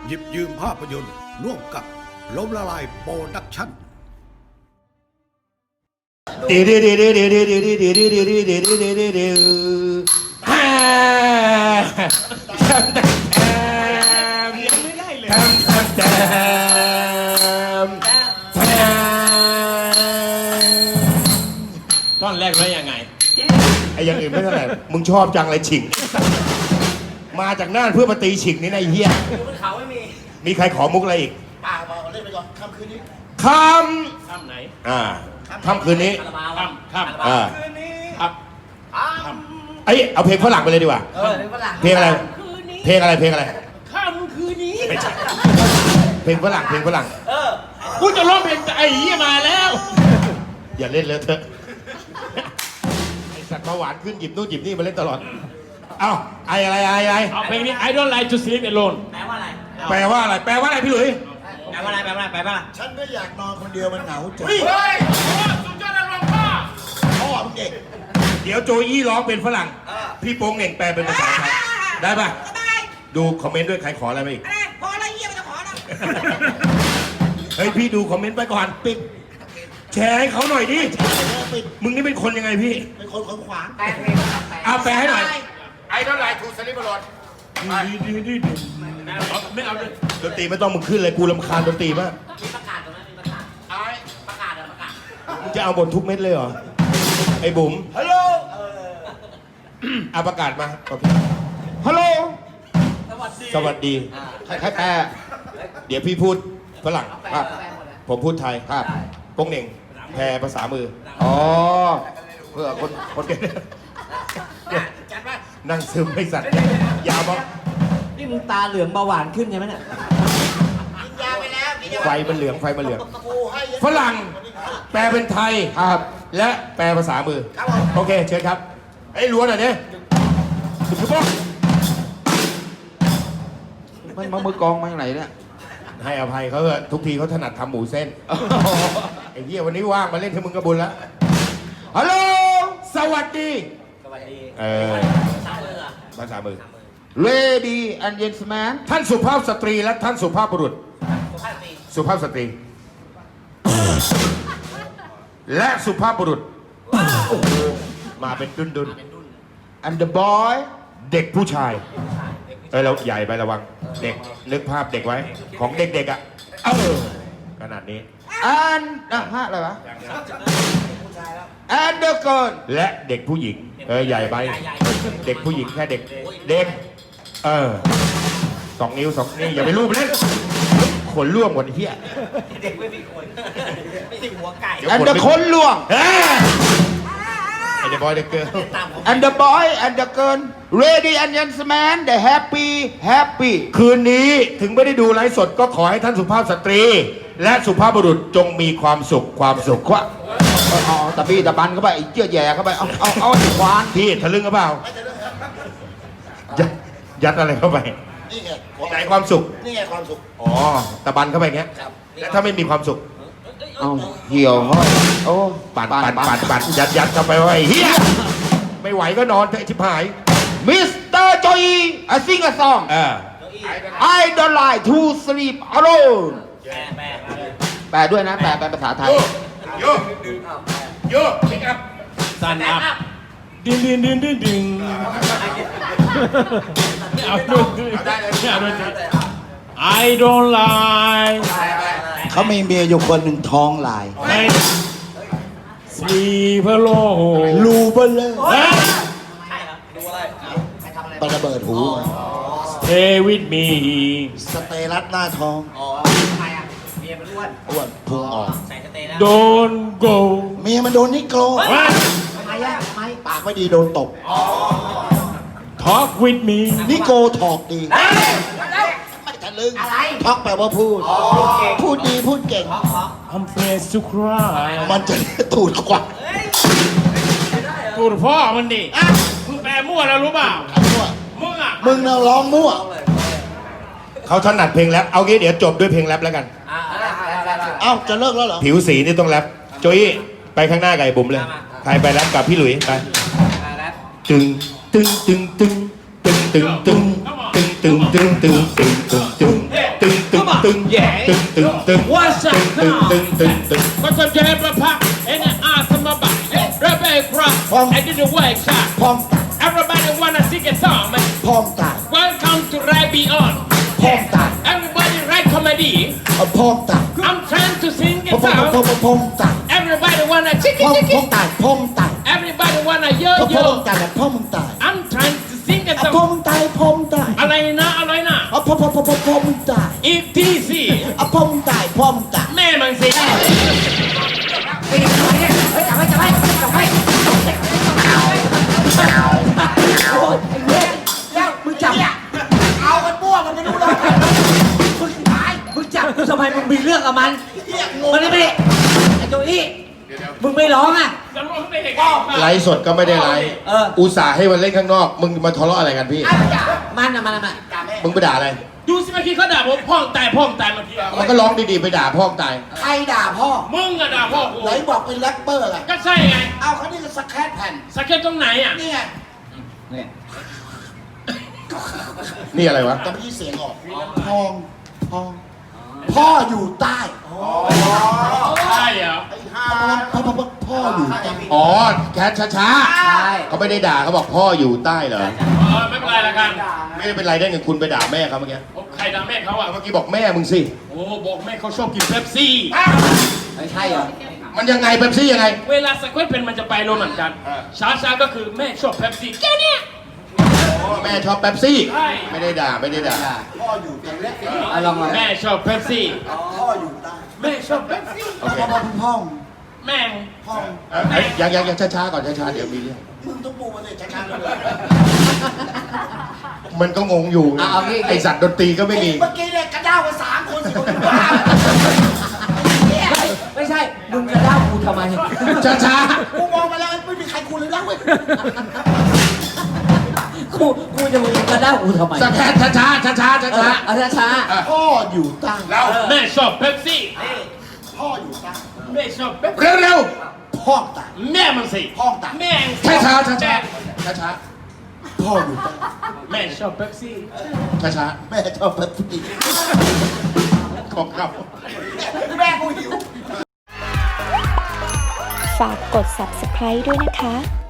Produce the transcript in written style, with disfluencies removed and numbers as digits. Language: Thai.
หยิบยืมภาพยนตร์ร่วมกับล้มละลายโปรดักชั่นท่อนแรกแล้วยังไงไอ้อย่างอื่นไม่เท่าไหร่มึงชอบจังเลยฉิงมาจากน่านเพื่อมาตีฉิงนี่นะไอ้เหี้ยเขาไม่มีใครขอมุกอะไรอีกป่าบอกเล่นไปก่อนค่ำคืนนี้ค่ำไหนค่ำคืนนี้ค่คืนนี้ครับไอ้เอาเพลงฝรั่งไปเลยดีกว่าเพลงอะไรเพลงอะไรค่ำคืนนี้ไม่ใช่เพลงฝรั่งกูจะร้องเพลงไอ้เหี้ยมาแล้วอย่าเล่นเลยเถอะไอ้สัตว์เบาหวานขึ้นหยิบนู่นหยิบนี่มาเล่นตลอดเอ้าไอ้อะไรเอาเพลงนี้ I don't like to sleep alone แปลว่าอะไรพี่หลุยแปลว่าอะไรฉันไม่อยากนอนคนเดียวมันเหงาจังสุดยอดนักร้องพ่อมึงเด็กเดี๋ยวโจอี้ร้องเป็นฝรั่งพี่โป้งเหน่งแปลเป็นภาษาไทยได้ป่ะดูคอมเมนต์ด้วยใครขออะไรมาอีกพออะไรเยี่ยมจะขอนะเฮ้ยพี่ดูคอมเมนต์ไปก่อนปิดแชร์ให้เขาหน่อยดิมึงนี่เป็นคนยังไงพี่เป็นคนขวางแปลให้หน่อยไอ้เท่าไรทูสลิปบอลไม่เอาเลยดนตรีไม่ต้องมึงขึ้นเลยกูรำคาญดนตรีมากมีประกาศตรงนั้นมีประกาศประกาศมึงจะเอาบททุกเม็ดเลยเหรอไอ้บุ๋มฮัลโหลเอาประกาศมาโอเคฮัลโหลสวัสดีใครแปลเดี๋ยวพี่พูดฝรั่งครับผมพูดไทยครับโป้งเหน่งแปลภาษามืออ๋อเพื่อคนนั่งซึมไม่สัตว์ยาวมั้งนี่มึงตาเหลืองเบาหวานขึ้นใช่ไหมเนี่ยกินยาไปแล้วไฟมันเหลืองฝรั่งแปลเป็นไทยครับและแปลภาษามือโอเคเชิญครับไอ้ล้วนหน่อยเนี่ยสุภาพมันมือกองมาจากไหนเนี่ยให้อภัยเขาทุกทีเขาถนัดทำหมูเส้นไอ้เหี้ยวันนี้ว่างมาเล่นให้มึงกระบุญแล้วฮัลโหลสวัสดีภาษามือ Lady and gentlemen ท่านสุภาพสตรีและท่านสุภาพบุรุษสุภาพสตรีและสุภาพบุรุษมาเป็นดุน and the boy เด็กผู้ชายเราใหญ่ไประวังเด็กนึกภาพเด็กไว้ของเด็กๆอ่ะขนาดนี้ and อะไรวะ and the girl และเด็กผู้หญิงใหญ่ไปเด็กผู้หญิงแค่เด็ก2 นิ้ว2นี่อย่าไปรูปเล่นขนล่วงหมดเหี้ยเด็กไม่มีคนไม่ใช่หัวไก่ and the คนล่วงไอ้เด็กบอยเด็กเกิร์ล and the boy and the girl Lady and gentlemen the happy คืนนี้ถึงไม่ได้ดูไลฟ์สดก็ขอให้ท่านสุภาพสตรีและสุภาพบุรุษจงมีความสุขวะตะบี้ตะบันเข้าไปเจื้อแย่เข้าไปเอาควานพี่ทะลึ่งหรือเปล่ายัดอะไรเข้าไปนี่ไงไหนความสุขนี่ไงความสุขอ๋อตะบันเข้าไปอย่างเงี้ยแล้วถ้าไม่มีความสุขเหี่ยวห้อยโอ้ปั่นยัดเข้าไปไว้เฮียไม่ไหวก็นอนเถอะชิบหายมิสเตอร์โจอีI sing a song I don't like to sleep alone แปลด้วยนะแปลเป็นภาษาไทยโยพิกอัพซันอัพดินไม่เอาด้วย I don't like เขามีเมียอยู่คนหนึ่งท้องลาย Sleep alone รูเบลเลอร์ใช่เหรอดูอะไรไประเบิดหู Stay with me สเตรัสหน้าท้องทำไมอ่ะเมียมันอ้วนพุงออกใส่สเตย์แล้ว Don't go เมียมันโดนนิโกรทำไมปากไม่ดีโดนตบ Talk with me นิโกถอกดีไม่ทะลึ่งท็อกแปลว่าพูดดีพูดเก่ง I'm afraid to cry มันจะตูดขวักตูดพ่อมันดิมึงแปลมั่วแล้วรู้เปล่ามึงน่ะร้องมั่วเขาถนัดเพลงแรปเอางี้เดี๋ยวจบด้วยเพลงแรปแล้วกันจะเลิกแล้วเหรอผิวสีนี่ต้องแรปโจยไปข้างหน้าไก่บุ๋มเลยใครไปแรปกับพี่หลุยไปตึงตึงตึงตึงตึงตึงตึงตึงตึงตึงตึงตึงตึง What's up ตึง now? ตึงตึงตึง What's up, Jay Papa? And the awesome about Rebel Crop. I did the work shot. พร้อมตาย Everybody wanna sing a song, man. พร้อมตาย Welcome to Rai Beyond. พร้อมตาย Everybody write comedy. พร้อมตาย I'm trying to sing พร้อ a มพร้อม song. พร้อมตาย Everybody wanna chicky พร้อม chicky. ตายพร้อมตาย Everybody wanna yo พร้อม yo. ตายพร้อมตาย I'm trying to sing a พร้อ song. มตายพร้อมตายอะไรนะอะไรนะพร้อมตาย ETC พร้อมตายพร้อมตายแม่มันสิมึงจับเอากันมั่วมันไม่รู้เลยมึงจับกูทำไมมึงมีเรื่องกับมันมันไม่ได้ไอ้โจอี้มึงไม่ร้องอ่ะจะร้องได้ยังไงไลฟ์สดก็ไม่ได้ไลฟ์อุตส่าห์ให้มันเล่นข้างนอก มึงมาทะเลาะอะไรกันพี่มันอะมึงไปด่าอะไรดูสิเมื่อกี้เขาด่าผมพ่องตายเมื่อกี้มันก็ร้องดีๆไปด่าพ่อตายใครด่าพ่อมึงอะด่าพ่อกูไหนบอกเป็นแรปเปอร์ไงก็ใช่ไงเอาเขานี่ก็สแครปแผ่นสเก็ตตรงไหนอ่ะนี่ไงนี่อะไรวะแต่ไม่ใช่เสียงออกพองพองพ่ออยู่ใต้ใช่เหรอพ่ออยู่ใต้อ๋อแคทช้าๆเขาไม่ได้ด่าเขาบอกพ่ออยู่ใต้เหรอไม่เป็นไรละกันไม่ได้เป็นไรได้ไงคุณไปด่าแม่เขาเมื่อกี้ใครด่าแม่เขาอ่ะเมื่อกี้บอกแม่มึงสิโอ้บอกแม่เขาชอบกินเป๊ปซี่ไม่ใช่เหรอมันยังไงเป๊ปซี่ยังไงเวลาสเก็ตเป็นมันจะไปโรมันกัน ช้าๆก็คือแม่ชอบเป๊ปซี่แค่เนี้ยแม่ชอบเป๊ปซี่ใช่ไม่ได้ด่าไม่ได้ด่าพ่ออยู่ใต้เอาลองมาแม่ชอบเป๊ปซี่พ่ออยู่ใต้แม่ชอบเป๊ปซี่โอเคพ่องแม่งพ่องยังช้าๆก่อนช้าๆเดี๋ยวมีเรื่องมึงต้องปูมาเลยช้าๆเลยมันก็งงอยู่ไอสัตว์ดนตรีก็ไม่มีเมื่อกี้เนี่ยกระด้าวกัน3 คน4 คนบ้าไม่ใช่มึงจะเล่ากูทำไมช้ากูมองมาแล้วไม่มีใครคุยเลยนะเว้ยกูจะมึงจะเล่ากูทำไมๆสแคทช้าๆช้าๆช้าเอาช้าพ่ออยู่ใต้แม่ชอบเป๊ปซี่พ่ออยู่ใต้แม่ชอบเป๊ปๆเร็วพ่อตายแม่มันสิพ่อตายแม่งๆช้าๆช้าๆช้าพ่ออยู่ใต้แม่ชอบเป๊ปซี่ๆช้าแม่ชอบแบบนี้ๆขอบครับแม่กูหิวฝากกด subscribe ด้วยนะคะ